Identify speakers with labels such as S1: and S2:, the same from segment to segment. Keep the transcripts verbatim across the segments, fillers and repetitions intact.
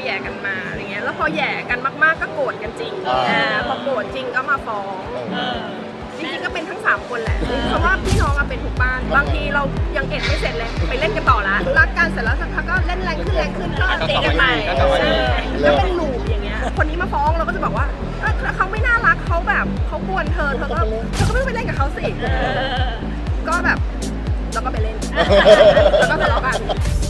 S1: แย่กันมาอะไรเงี้ยแล้วพอแย่กันมากๆก็โกรธกันจริงอ่าพอโกรธจริงก็มาฟ้องจริงๆก็เป็นทั้งสามคนแหละเพราะว่าพี่น้องเป็นทุกบ้านบางทีเรายังเอ็ดไม่เสร็จเลยไปเล่นกันต่อละรักกันเสร็จแล้วสักพักก็เล่นแรงขึ้นแรงขึ้นก็ตีกันใหม่แล้วเป็นลูปอย่างเงี้ยคนนี้มาฟ้องเราก็จะบอกว่าถ้าเขาไม่น่ารักเขาแบบเขากวนเธอเธอก็เธอก็ไม่ไปเล่นกับเขาสิก็แบบเราก็ไปเล่นแล้วก็ทะเลาะกัน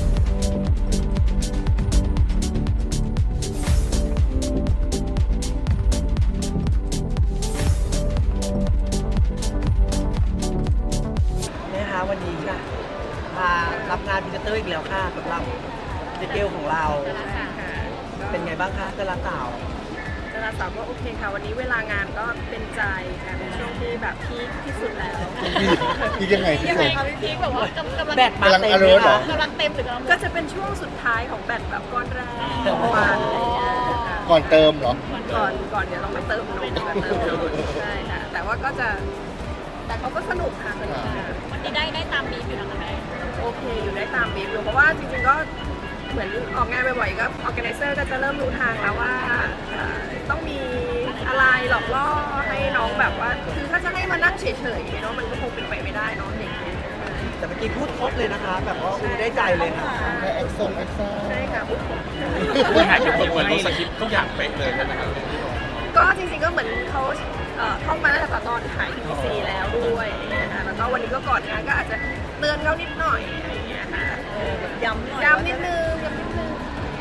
S2: วันนี้ค่ะมารับงานพรีเซนเตอร์อีกแล้วค่ะสำหรับเจเกลของเราเป็นไงบ้างคะดาราสาว
S1: ดาราสาวก็โอเคค่ะวันนี้เวลางานก็เป็นใจค่ะเป็นช่วงที่แบบพีคที่สุดแล้ว
S3: พีคยังไงพี่ชม
S4: พี่พีคแบบว่ากำลัง
S2: แบตมาเต็ม
S3: เลยเหรอก
S4: ำลังเต็มหรือกำลัง
S1: ก็จะเป็นช่วงสุดท้ายของแบตแบบก้อนแรกของวันอะไรอย่างเงี้ย
S3: ก่อนเติมเหรอ
S1: ก่อนก่อนเดี๋ยวต้องไปเติมนมมาเติมนมใช่ค่ะแต่ว่าก็จะแต่เขาก็สนุกค่ะสนุก
S4: วันนี้ได้ได้ตามบีบอยู่นะคะแม่
S1: โอเคอยู่ได้ตามบีบอยู่เพราะว่าจริงๆก็เหมือนออกงานบ่อยๆก็ออร์แกไนเซอร์ก็จะเริ่มรู้ทางแล้วว่าต้องมีอะไรหลอกล่อให้น้องแบบว่าคือถ้าจะให้มานั่งเฉยๆเนาะมันก็คงเป็นไปไม่ได้เนาะเด็ก
S2: แต่เมื่อกี้พูดครบเลยนะคะแบบว่าคุณได้ใจเลยค่ะ
S3: แค่แอคซ่งแอคซ่า
S1: ใช่ค่ะพูดครบ
S5: คุณหายเป็นคนเหมือนรู้สคริปต์ทุกอย่างเป๊ะเลยใช่ไหมครับ
S1: ก็จริงๆก็เหมือนเขาท่องมาตั้งแต่ตอนถ่ายทีซีแล้วด้วยนะคะแล้วก็วันนี้ก็ก่อนงานก็อาจจะเตือนเขานิดหน่อยอะไรอย่างเงี้ยค่ะย้ำย้ำนิดนึงย้ำนิดนึง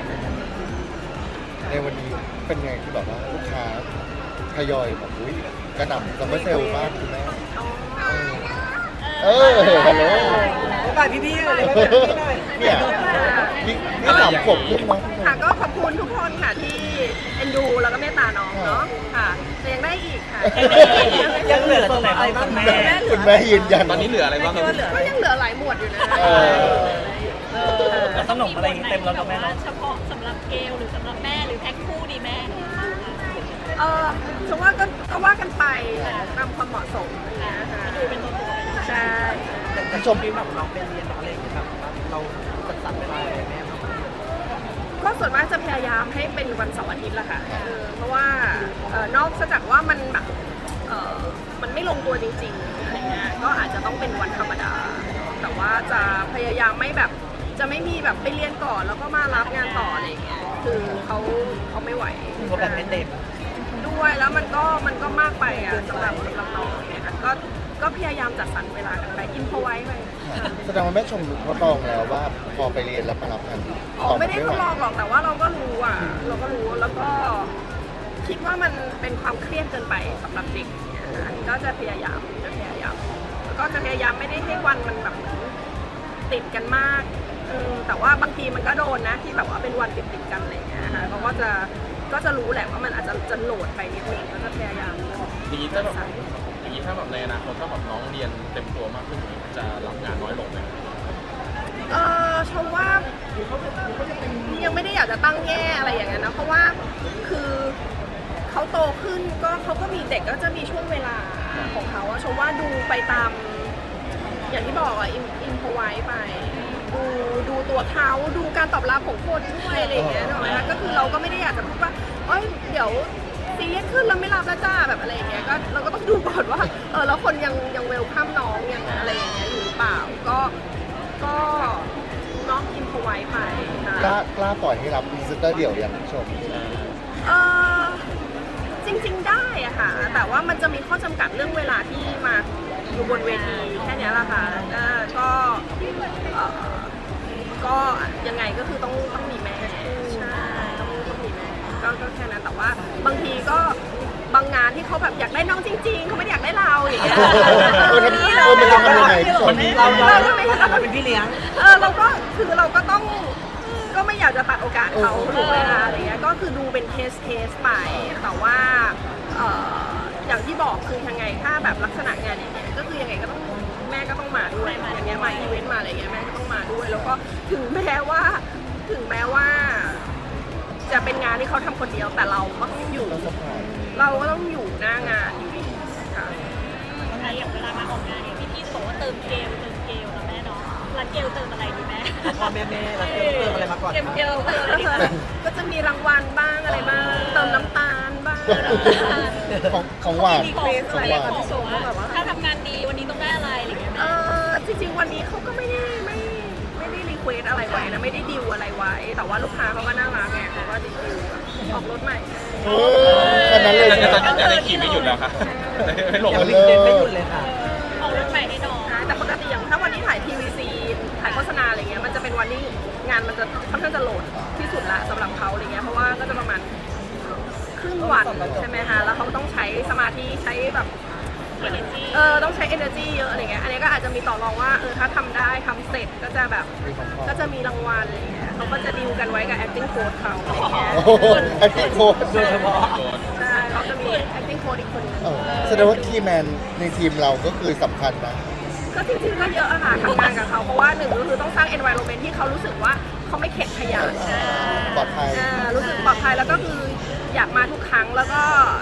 S3: ในวันนี้เป็นไงที่แบบว่าลูกค้าทยอยแบบอุ้ยกระหน่ำซัมเมอร์เซลล์มากคุณแม่เออฮัลโหล
S2: ไปพี่ๆเลย
S3: เนี่ยนี่สามขวบขึ้นมั้ง
S1: ค่ะก็ขอบคุณทุกคนค่ะที่เอ็นดูแล้วก็เมตตาน้องเนาะค่ะแต่ยังได้อีกค่ะ
S2: ยังเหลือตรงไหนบ้างแม่
S3: คุณแม่ยืนยัน
S5: ตอนนี้เหลืออะไรบ้างครับ
S1: ก็ยังเหลือหลายหมวดอยู่นะ
S2: ขนมอะไรเต็มแล้วกับแม่
S4: เฉพาะสำหรับเกลหรือสำหรับแม่หรือแพ็คคู่ดีแม่
S1: เออฉันว่าก็ก็ว่ากันไปตามความเหมาะสมนะคะ
S4: ดูเป็นตัวตัว
S1: ใช่
S2: แต่ชมพี่แบบเราเป็นเรียนอะไรอย่างเงี้ยแบบเราจัดสรรเวลาอะไรแม่
S1: ก็ส่วนมากจะพยายามให้เป็นวันเสาร์อาทิตย์แหละค่ะเพราะว่านอกจากว่ามันแบบมันไม่ลงตัวจริงๆอะไรเงี้ยก็อาจจะต้องเป็นวันธรรมดาแต่ว่าจะพยายามไม่แบบจะไม่มีแบบไปเรียนก่อนแล้วก็มารับงานต่ออะไรเงี้ยคือเขาเขาไม่ไหว
S2: เขาแบบเป็นเด็ก
S1: ด้วยแล้วมันก็มันก็มากไปอ่ะสำหรับสำหรับน้องเนี่ยก็ก็พยายามจัดสรรเวลากันไปอินพอไว้ไป
S3: แสดงว่าแม่ชมทดลองแล้วว่าพอไปเรียนแล้วมารับงาน
S1: อ๋อไม่ได้ทดลองหรอกแต่ว่าเราก็รู้อ่ะเราก็รู้แล้วก็คิดว่ามันเป็นความเครียดเกินไปสำหรับเด็กก็จะพยายามจะพยายามแล้วก็จะพยายามไม่ได้ให้วันมันแบบติดกันมากแต่ว่าบางทีมันก็โดนนะที่แบบว่าเป็นวันติดติดกันอะไรอย่างเงี้ยค่ะเขาก็จะก็จะรู้แหละว่ามันอาจจะจะโหลดไปนิดนึงก็จะพยายาม
S5: ดีถ้าแบบอย่างนี้ถ้าแบบในอนาคตถ้าแบบน้องเรียนเต็มตัวมากขึ้นจะรับงานน้อยลงไหม
S1: เออชมว่ายังไม่ได้อยากจะตั้งแง่อะไรอย่างเงี้ยนะเพราะว่าคือเขาโตขึ้นก็เขาก็มีเด็กก็จะมีช่วงเวลาของเขาชมว่าดูไปตามอย่างที่บอกอ่ะอินพอไว้ไปดูดูตัวเขาดูการตอบรับของคนด้วยอะไรอย่างเงี้ยนะคะก็คือเราก็ไม่ได้อยากจะพูดว่าเอ้ยเดี๋ยวซีเรียสขึ้นแล้วไม่รับแล้วจ้าแบบอะไรอย่างเงี้ยก็เราก็ต้องดูก่อนว่าเออแล้วคนยังยังเวลคัมน้องยังอะไรอย่างเงี้ยอยู่หรือเปล่าก็ก็น้องอินพอไว้ไป
S3: กล้ากล้าปล่อยให้รับพรีเซนเตอร์เดี่ยวอย่างชม
S1: เออจริงๆได้อะค่ะแต่ว่ามันจะมีข้อจำกัดเรื่องเวลาที่มาอยู่บนเวทีแค่นี้แหละค่ะก็ก็ยังไงก็คือต้องต้องมีแม่ใช่ต้องต้องมีแม่ก็ก็แค่นั้นแต่ว่าบางทีก็บางงานที่เขาแบบอยากได้น้องจริงๆเขาไม่อยากได้เราอย่างเงี้ย
S3: เออมันจะทำยังไง
S2: เราเราเราเป็นพี่เลี้ยง
S1: เออเราก็คือเราก็ต้องก็ไม่อยากจะตัดโอกาสเขาถูกไหมคะอะไรเงี้ยก็คือดูเป็นเคสเคสไปแต่ว่าอย่างที่บอกคือยังไงถ้าแบบลักษณะงานอย่างเงี้ยก็คือยังไงก็ต้องแม่ก็ต้องมาด้วยอย่างเงี้ยมาอีเวนต์มาอะไรเงี้ยแม่ก็ต้องมาด้วยแล้วก็ถึงแม้ว่าถึงแม้ว่าจะเป็นงานที่เขาทำคนเดียวแต่เราก็ต้องอยู่เราก็ต้องอยู่หน้างานอยู่ดีค่ะ
S4: อย่างเวลามาออกงานเนี่ยพี่พี่บอกว่าเติมเกลเติมเกลนะแม่เนาะแล้วเกลเติมอะไรดีแม่
S2: พ่อแม่แม่แล้วเกลเติมอะไรมาก่อน
S4: เกลเกล
S1: ก็จะมีรางวัลบ้างอะไรบ้างเติมน้ำตาลบ้าง
S3: ของของหวาน
S1: รีเควส
S3: ขอ
S1: อะ
S3: ง
S1: ไร
S3: หวาน
S1: กับพี่โซก็แบบว่า
S4: ถ้าทำงานดีวันนี้ต้องได้อะไรอะไรอย่างเงี้ย
S1: เออจริงๆวันนี้เขาก็ไม่ได้ไม่ไม่ได้รีเควสอะไรไว้นะไม่ได้ดิวอะไรไว้ แต่ว่าลูกค้าเขาก็น่ารักไงเขาก็ดิวแบบออกรถใหม่
S3: เออแค่นั้นเลย
S5: แต่
S3: ใช่ไหม
S5: ตอนนี้ยังขี่ไม่หยุดแล้วค่ะไม่หลง
S2: ยัง
S5: เล
S2: วิ่ง
S5: ย
S2: เต้นไม่หยุดเลยค่ะ
S4: ออกรถใหม่ให้น้อง
S1: นะแต่ปกติอย่างถ้าวันที่ถ่ายทีวีซีถ่ายโฆษณาอะไรเงี้ยมันจะเป็นวันที่งานมันจะค่อนข้างจะโหลดที่สุดละสำหรับเขาอะไรเงี้ยเพราะว่าก็จะประมาณครึ่งวันใช่ไหมคะแล้วเขาต้องใช้สมาธิใช้แบบเออต้องใช้ energy เยอะอะไรเงี้ยอันนี้ก็อาจจะมีต่อรองว่าเออถ้าทำได้ทำเสร็จก็จะแบบก็จะมีรางวัลอะไรเงี้ยเขาก็จะดีลกันไว้กับ acting coach เขาอะไรเงี้ย
S3: โอ้โหไอ้พี่โค้ด
S2: โดยเฉพาะ
S1: ใช่เขาจะมี acting coach อีกคนนึง
S3: เออแสดงว่าคีย์แมนในทีมเราก็คือสำคัญนะ
S1: ก็จริงๆก็เยอะอะค่ะทำงานกับเขาเพราะว่าหนึ่งก็คือต้องสร้าง environment ที่เขารู้สึกว่าเขาไม่เข็ดขยะ
S3: ปลอดภัย
S1: อ่ารู้สึกปลอดภัยแล้วก็คืออยากมาทุกครั้งแล้วก็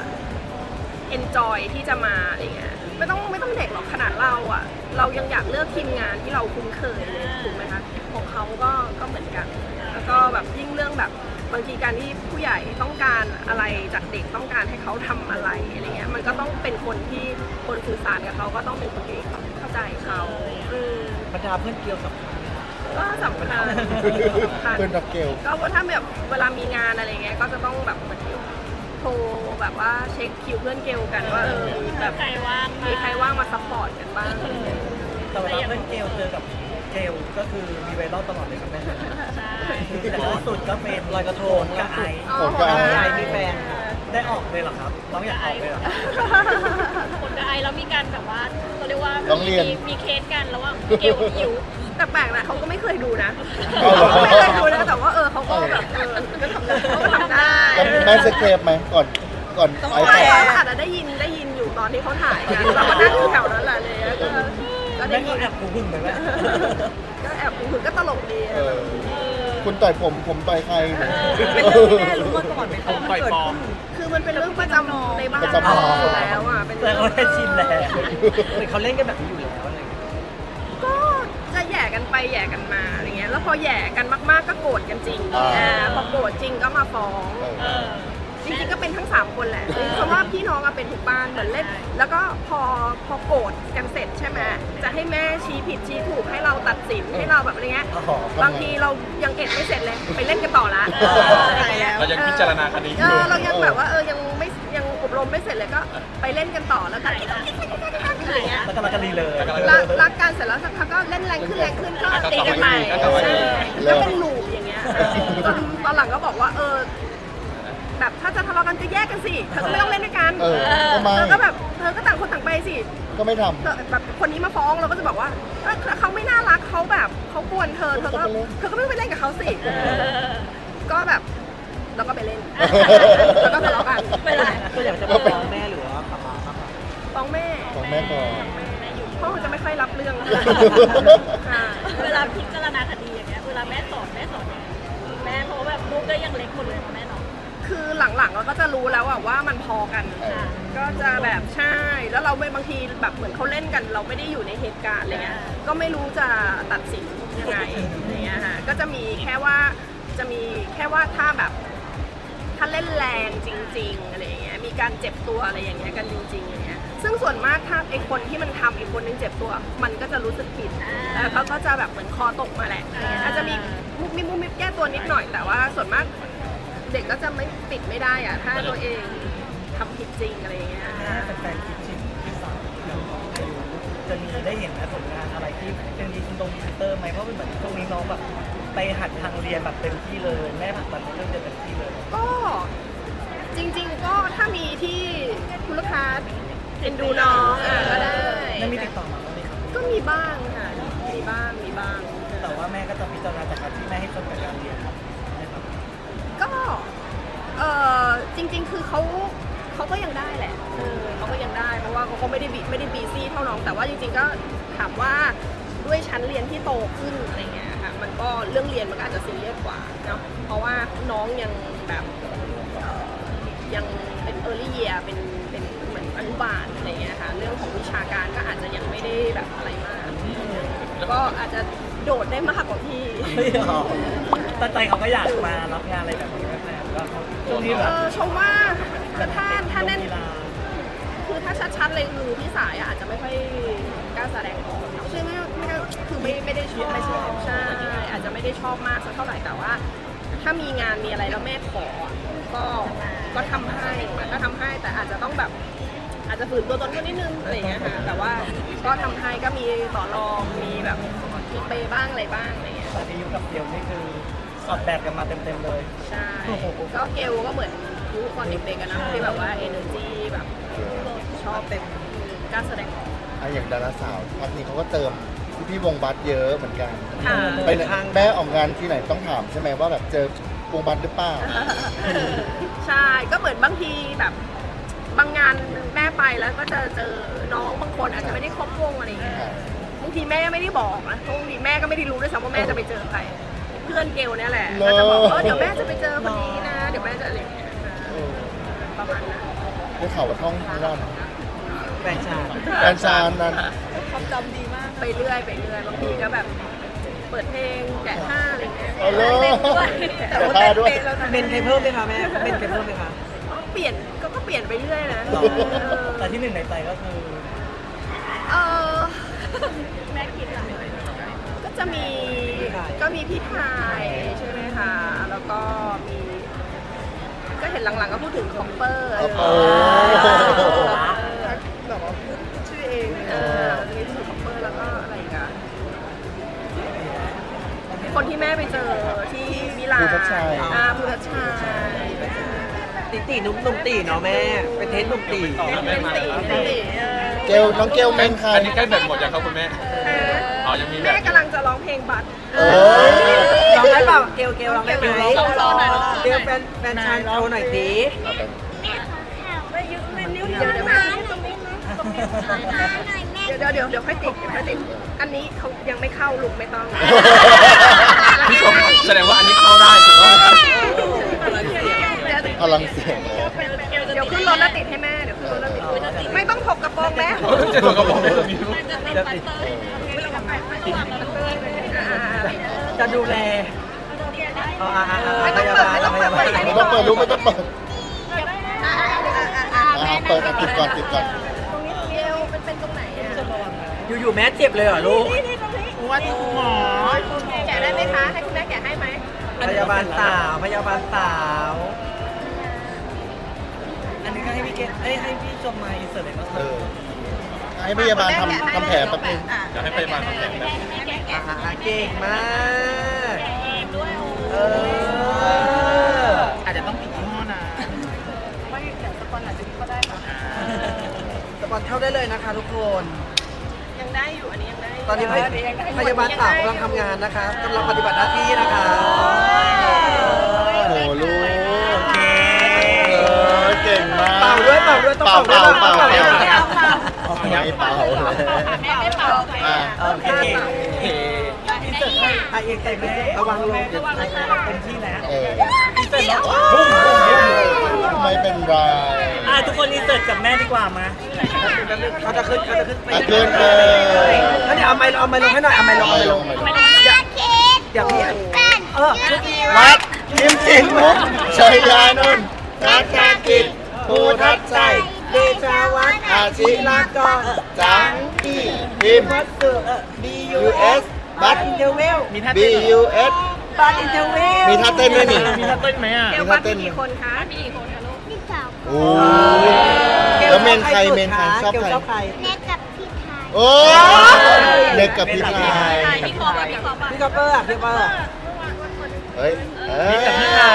S1: enjoy ที่จะมาอะไรเงี้ยไม่ต้องไม่ต้องเด็กหรอกขนาดเราอะเรายังอยากเลือกทีมงานที่เราคุ้นเคยเลยถูกไหมคะของเขาก็ก็เหมือนกัน แล้วก็แบบยิ่งเรื่องแบบบางทีการที่ผู้ใหญ่ต้องการอะไรจากเด็กต้องการให้เขาทำอะไรอะไรเงี้ยมันก็ต้องเป็นคนที่คนสื่อสารกับเขาก็ต้องเป็นคนที่เข้าใจเขาอืม
S2: บรรดาเพื่อนเกลียวสำคัญ
S1: ก็สำคัญสำคัญ
S3: เพื่อนรับเกล
S1: ก็ถ้าแบบเวลามีงานอะไรเงี้ยก็จะต้องแบบเหมือนโทรแบบว่าเช็คคิวเพื่อนเกลกันว่าเออแบบ
S4: ใครว่าง
S1: มีใครว่างมาซัพพอร์ตกันบ้าง
S2: แต่เวลาเพื่อนเกลเจอกับเกลก็คือมีไวรัลตลอดเลยครับแม่
S4: ใช่
S2: แต่ล่าสุดก็เป็นลอยกระทงกับไอซ์
S1: อ๋อ
S3: ผมก็
S2: ไอซ์มีแฟนได้ออกเลยเหรอครับน้องอยากออกเลยเหรอ
S4: คนกับไอแล้วมีการแบบว่าเขาเรียกว่า
S3: ต้องเรียน
S4: มีมีเคสกันแล้วว่าเกลกับอิ๋ว
S1: แต่แปลกนะเขาก็ไม่เคยดูนะ
S3: เอาเหรอ
S1: เขาไม่เคยดูนะแต่ว่าเออเขาก็แบบเออก็ทำได้เขาก็ทำได้
S3: แล้วแม่สเตปไหมก่อนก่อน
S1: ต้อง
S3: ไอ้
S1: ไป
S3: แฟ
S1: อาจจะได้ยินได้ยินอยู่ตอนที่เขาถ่ายกันเราก็นั่งอยู่แถวนั้นแหละเลยก็ก็ได้
S2: แม่
S1: ยิ
S2: ก็
S1: น
S2: แอบกูหึ่งไปไหม
S1: ก็แอบคุยก็ตลกดี
S3: เออคุณต่อยผมผมต่อยใคร
S1: เป็นเรื่องที่แม่รู้มาก่อนไหม
S5: ผมปล่อยปลอม
S1: คือมันเป็นเรื่องประจำในบ้าน
S3: ประจำ
S1: อยู่แล้วอ่ะเป็น
S2: แต่
S1: เรื่อง
S2: เขาได้ชินแล้วเหมือนเขาเล่นกันแบบนี้อยู่แล้วอะไรอย่างเงี้ย
S1: ก็จะแหย่กันไปแหย่กันมาอะไรเงี้ยแล้วพอแหย่กันมากๆก็โกรธกันจริง
S3: อ่า
S1: อ่าพอโกรธจริงก็มาฟ้อง
S3: เออ
S1: จริงๆก็เป็นทั้งสามคนแหละเพราะว่าพี่น้องอะเป็นทุกบ้านเหมือนเล่น แล้วก็พอพอโกรธกันเสร็จใช่ไหมจะให้แม่ชี้ผิดชี้ถูกให้เราตัดสินให้เราแบบอะไรเงี้ย
S3: อ๋อ
S1: บางทีเรายังเอ็ดไม่เสร็จเลยไปเล่นกันต่อละ
S3: เออ
S1: อะไรเงี้ย
S5: เรายังพิจารณาคดีอ
S1: เอยู่ อเรายังแบบว่าเออยังไม่ยังอบรมไม่เสร็จเลยก็ไปเล่นกันต่อแล้วกันอะไรเงี้ย
S2: แล้วก็รักกันดีเลย
S1: รักรักกันเสร็จแล้วสักพักก็เล่นแรงขึ้นแรงขึ้นก็ตีกันใหม่
S5: ก็กลับมาดี
S1: ใช่ก็เป็นลูปอย่างเงี้ยจนตอนหลังก็บอกว่าเออแบบถ้าจะทะเลาะกันก็แยกกันสิเธอก็ไม่ต้องเล่นด้วยกัน
S3: เออทำไม
S1: เธอก็แบบเธอก็ต่างคนต่างไปสิ
S3: ก็ไม่ท
S1: เธอแบบคนนี้มาฟ้องเราก็จะบอกว่าเออเขาไม่น่ารักเขาแบบเขากวนเธอเธอก็เธอก็ไม่ไปเล่นกับเขาสิก็แบบเราก็ไปเล่นแล้วก็ทะเลาะกัน
S4: ไม่ได้
S2: ก็อยากจะฟ้องแม่หรือว่าป๊าป๊าครับ
S1: ฟ้องแม่
S3: ำของแม่ก่อน
S1: พ่อจะไม่ค่อยรับเรื่องค่ะ
S4: เวลาพิจารณาคดีอย่างเงี้ยเวลาแม่สอนแม่สอนยังไงแม่เพราะว่าแบบลูกก็ยังเล็กหมดเลยนะแม่เนาะ
S1: คือหลังๆเราก็จะรู้แล้วอะว่ามันพอกัน
S3: เออ
S1: ก็จะแบบใช่แล้วเราไม่บางทีแบบเหมือนเขาเล่นกัน เราไม่ได้อยู่ในเหตุการณ์อะไรเงี้ยก็ไม่รู้จะตัดสินยังไงอะไรเงี้ยค่ะก็จะมีแค่ว่าจะมีแค่ว่าถ้าแบบถ้าเล่นแรงจริง ๆอะไรเงี้ยมีการเจ็บตัวอะไรอย่างเงี้ยกันจริงๆอย่างเงี้ยซึ่งส่วนมากถ้าไอคนที่มันทำอีกคนนึงเจ็บตัว มันก็จะรู้สึกผิดแล้วเขาก็จะแบบเหมือนคอตกมาแหละอะไรเงี้ยอาจจะมีมุกมิบมุกมิบแก้ตัวนิดหน่อยแต่ว่าส่วนมาก เด็กก็จะไม่ปิดไม่ได้อะถ้าตัวเองทำผิดจริงอะไรอย่างเงี้ย
S2: ถ้าเป็นแฟนคิดชิมที่สามอย่างของอายุจะมีได้เห็นนะผลงานอะไรที่เป็นดีซินโดมดีเตอร์ไหมเพราะเป็นแบบช่วงนี้น้องแบบไปหัดทางเรียนแบบเต็มที่เลยแม่ผลักดันเรื่องเรียนเต็มที่เลย
S1: ก็จริง ๆ ก็ถ้ามีที่คุณลูกค้าเอ็นดูน้องอ่ะก็ได้
S2: ไม่มีติดต่อมาบ้างไหมครับ
S1: ก็มีบ้างค่ะมีบ้างมีบ้าง
S2: แต่ว่าแม่ก็จะพิจารณาจากการที่แม่ให้คนกับการเรียนนะครับ
S1: ก็เออจริง ๆ คือเขาเขาก็ยังได้แหละเออเขาก็ยังได้เพราะว่าเขาก็ไม่ได้บีไม่ได้บีซี่เท่าน้องแต่ว่าจริง ๆ ก็ถามว่าด้วยชั้นเรียนที่โตขึ้นอะไรเงี้ยค่ะมันก็เรื่องเรียนมันก็อาจจะซีเรียสกว่าเนาะเพราะว่าน้องยังแบบเอ่อยังเป็น early year เป็นเป็นเหมือนอนุบาลอะไรเงี้ยค่ะเรื่องของวิชาการก็อาจจะยังไม่ได้แบบอะไรมากก็อาจจะโดดได้มากกว่าพี่
S2: ตั้งใจเขาก็อยากมารับงานอะไรแบบนี้ไหมแม่
S1: ชัดๆเลยคือพี่สายอะอาจจะไม่ค่อยกล้าแสดงออกใช่ไหมไม่ได้คือไม่ไม่ได้ชอบไม่ชอบใช่อาจจะไม่ได้ชอบมากสักเท่าไหร่แต่ว่า ถ้ามีงานมีอะไรแล้วแม่ขอก็ก็ทำให้ก็ทำให้แต่อาจจะต้องแบบ อาจจะฝืนตัวตนก็นิดนึงอะไรอย่างเงี้ยค่ะแต่ว่าก็ทำให้ก็มีต่อรองมีแบบมีเปย์บ้างอะไรบ้างอะไรเงี้ย
S2: แต่ที่ยุคกับเดียวนี่คือสอดแบบกันมาเต็มๆเลย
S1: ใช่ก็เกลก็เหมือนยุคตอนเด็กๆกันนะที่แบบว่า energy แบบชอบเป็นกล้ารแสดงออก
S3: อ่ะอย่างดาราสาวพักนี้เขาก็เติมพี่ๆวงบัสเยอะเหมือนกัน
S1: ค่ะ
S3: ไปไหนแม่ออกงานที่ไหนต้องถามใช่ไหมว่าแบบเจอวงบัสหรือเปล่า
S1: ใช่ก็เหมือนบางทีแบบบางงานแม่ไปแล้วก็จะเจอน้องบางคนอาจจะไม่ได้ครบวงอะไรอย่างเงี้ยบางทีแม่ไม่ได้บอกนะบางทีแม่ก็ไม่ได้รู้ด้วยซ้ำว่าแม่จะไปเจอใครเพื่อนเกลเนี่ยแหละก็จะบอกเออเดี๋ยวแม่จะไปเจอคนนี้นะเดี๋ยวแม่จะอะไรอย่างเงี้ยประมาณนั้น
S3: ได้ข่าวว่าท่องทั้งวัน
S2: แฟนชาติ
S3: แฟนชานนั้น
S1: ความจำดีมากไปเรื่อยไปเรื่อยบางทีก็แบบเปิดเพลงแกะท่าอะไรอย่างเงี้ย
S3: เอาเลย
S1: แต่ว่าเต้นด้วย
S2: เบนใครเพิ่มไหมคะแม่เบนใครเพิ่มไหมคะ
S1: เปลี่ยนก็ก็เปลี่ยนไปเรื่อยนะ
S2: แต่ที่หนึ่งในใจก็คือ
S1: เออ
S4: แม่คิดอะ
S1: ก็จะมีก็มีพี่ไทยใช่ไหมคะแล้วก็มีก็เห็นหลังๆก็พูดถึงคอปเปอร์
S3: โอ้โห
S1: แบบว่าพูดชื่อเองเออมีพูดถึงคอปเปอร์แล้วก็อะไรอีกันคนที่แม่ไปเจอที่มิลาน
S3: ภูทับชัย
S1: อ่าภูทับชัย
S2: ตีตีนุ่มนุ่มตีเนาะแม่เป็นเทสนุ่มตี
S5: ต่อ
S1: เป็น
S5: แม่
S1: เป็น
S5: มา
S1: สีเป็นสีเออ
S3: เกลน้องเกลเมนใคร
S5: อันนี้ใกล้แบตหมดยังครับคุณแม่
S1: เออ
S5: อ๋อยังมีแบ
S1: แม่
S5: ต
S1: กำลังจะร้องเพลงบัตร
S3: เออ
S2: ร้องได้เปล่าเกลเกลร้องได้ไหม
S1: โชว์หน่อย
S2: เกลแฟนแฟนชายโชว์หน่อยสิ
S3: เอาไป
S1: ไม่ยุไม่นิ้วเดียวเดี๋ยวแม่เดี๋ยวเดี๋ยวเดี๋ยวค่อยติดเดี๋ยวค่อยติดอันนี้เขายังไม่เข้าลูกไม่ต้อง
S5: พี่ชมแสดงว่าอันนี้เข้าได้ถูกต้องครับ
S3: พลังเสียง
S1: เดี๋ยวขึ้นรถแล้วติดให้แม่เดี๋ยวขึ้นรถแล้วติดไม่ต้องถกกระโปรงแม่
S5: จะถูกกระบอกไม่มีลูก
S2: จะดูแลอ๋ออ่าอ่า
S1: ไม่ต้องเปิดไม่ต้องเปิด
S3: ไม่ต้องเปิดลูกไม่ต้องเปิดอ่ะเปิดอ่ะติดก่อนติดก่อน
S1: ตรงนี้เดียวเป็นเป็นตรงไหนอ่ะ
S2: อยู่ๆแม่เจ็บเลยเหรอลูก
S1: ว่าที่คุณหมอแกะได้ไหมคะให้คุณแม่แกะให้ไหม
S2: พยาบาลสาวพยาบาลสาวอันนี้ก็ให้พี่เกดเอ้ยให้พี่ชมมาอินเสิร์ตเลยก็
S3: เออให้พยาบาลทำทำแผลแป๊บนึง
S5: เดี๋ยวให้ไปมาทำแผนแบบ
S2: อ่าเก่งมากเอออาจจะต้องปิดยี่ห้อนะ
S1: ไม่แต่สปอนอาจจะก็ได้ค่ะ
S2: สปอนเข้าได้เลยนะคะทุกคน
S1: ยังได้อยู่อันนี้ยังได้
S2: ตอนนี้พยพยาบาลสาวกำลังทำงานนะคะกำลังปฏิบัติหน้าที่นะคะ
S3: โอ้โหลูก
S2: โอเค
S3: เออเก่งมาก
S2: เป่าด้วยเป่าด้วยต้อง
S3: เป่า
S2: เป่า
S3: เป่า
S2: ด้วย
S3: เป่า
S2: เป่า
S3: เป่าไม่เป่าเลย
S4: แม่ไม่เป่า
S3: อ่ะ
S2: โอเคโอเคอินเสิร์ตให้ไอเอ็กซ์ใจระวังลงเต็มที่แล้ว
S3: เออ
S2: อินเสิร์ตแล้ว
S3: ไม่เป็นไร
S2: อ่ะทุกคนอินเสิร์ตกับแม่ดีกว่ามาเขาจะขึ้นเขาจะขึ้นไป
S3: อ่ะขึ้นเออ
S2: แล้วเดี๋ยวเอาไมค์เอาไมค์ลงให้หน่อยเอาไมค์ลงเอาไมค์ลง
S3: ไม่ลง
S2: เดี๋ยวพี่เออชุดนี้
S3: วัดยิมสิงห์มุกชัยยานนท์นักการกิจภูทับชัย
S2: เดชาวัฒน์
S3: อาชิ
S2: ลากร
S3: จังอีพิมพ์
S2: วัดสุเอ่อ B U S บัตอินเทอร์เวลมีท่า
S3: B U S
S2: บัตอินเทอร์เวล
S3: มีท่าเต้นด้วยนี่
S2: มีท่าเต้นไหมอ่ะ
S1: เกลวัดมีกี่คนคะมีกี่คนคะลูก
S3: โอ้ยแล้วเมนใครเมนใครชอบใคร
S2: ชอบใคร
S6: เน็กกับพี่ไทย
S3: โอ้เด็กกับพี่ชาย
S1: พี่คอปพี่คอป
S2: พี่คัพเปอร์อ่ะพี่คัพเปอร์อ่ะ
S3: เฮ้ยเอ้ย
S2: กับพี่ชาย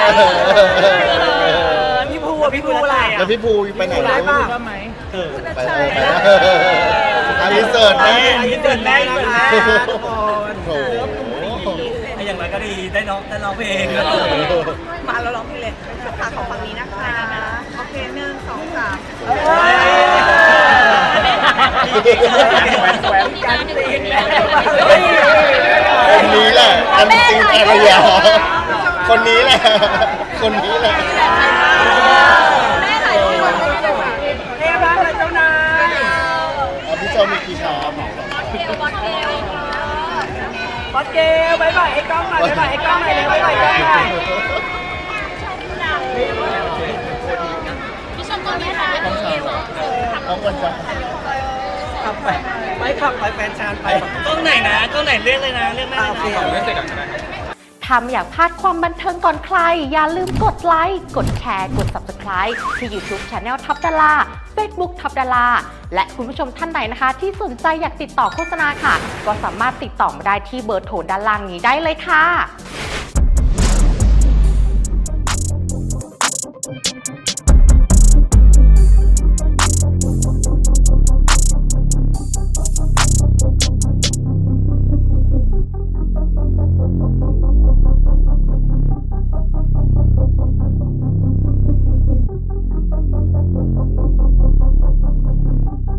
S2: พี่ภูอ่ะพี่ภูอะไรอ่ะ
S3: แล้วพี่ภูไปไหน
S2: ร้ายป่ะ
S3: ไปเออไปอันนี้เสิร์ตแม่
S2: อันนี้เสิร์ตแม่นะคะทุกคน
S3: โอ้โห
S2: อย่างไรก็ดีได้น้องได้ร้องเพลง
S1: มาเราร้องเพลงเลยค่ะของฝั่งนี้นะคะโอเคหนึ่งสองสาม
S2: การตีน
S3: คนนี้แหละอันซิงอารยาคนนี้แหละ คนนี้แหละ
S1: แม่ถ่ายรูปก่อนก็ได้ค่ะ
S2: เอ้บ้านเลยเจ้านาย
S3: อ่ะพี่เจ้ามีกี่ชาม
S2: บอสเกลบายบายไอ้กล้องหน่อยบายบายไอ้กล้องหน่อยเลยบายบายกล้องหน่อย
S4: พี่ชมตัวนี้ค่ะ
S3: ต้องชาม
S4: ทำ
S3: น้องควรจะ
S2: ขับไปไม่ขับไปแฟนชานไปกล้องไหนนะกล้องไหนเรียกเลยนะเรียกแม่เลยนะ
S5: เล่นเสร็จก่อนก็ได้ครับ
S6: ถ้าไม่อยากพลาดความบันเทิงก่อนใคร อย่าลืมกดไลค์ กดแชร์ กด ซับสไครบ์ ที่ YouTube Channel ท็อปดารา Facebook ท็อปดาราและคุณผู้ชมท่านใดนะคะ ที่สนใจอยากติดต่อโฆษณาค่ะ ก็สามารถติดต่อมาได้ที่เบอร์โทรด้านล่างนี้ได้เลยค่ะ